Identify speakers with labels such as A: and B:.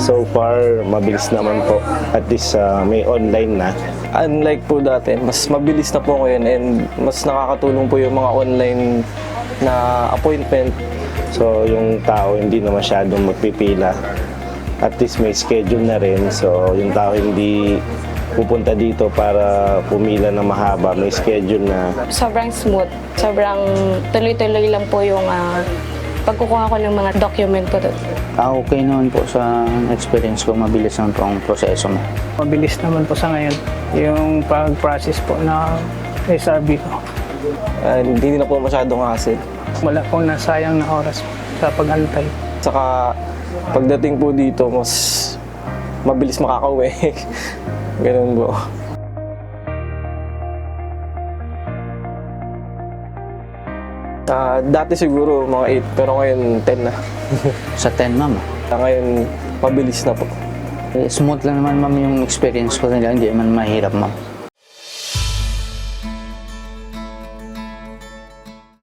A: So far, mabilis naman po. At least may online na.
B: Unlike po dati, mas mabilis na po ngayon and mas nakakatulong po yung mga online na appointment.
A: So yung tao hindi na masyadong magpipila. At least may schedule na rin. So yung tao hindi pupunta dito para pumila na mahaba. May schedule na.
C: Sobrang smooth. Sobrang tuloy-tuloy lang po yung pagkukuha ko ng mga document ko doon.
D: Okay naman po sa experience ko, mabilis naman po ang proseso mo.
E: Mabilis naman po sa ngayon yung pag-process po na SRB ko.
B: Hindi na po masyadong hassle.
E: Wala pong nasayang na oras sa pag-antay.
B: Saka pagdating po dito, mas mabilis makakauwi. Ganun po. Dati siguro mga 8, pero ngayon 10 na.
D: Sa 10, ma'am.
B: Ngayon, mabilis na po.
D: Smooth lang naman, ma'am, yung experience ko nila. Hindi man mahirap, ma'am.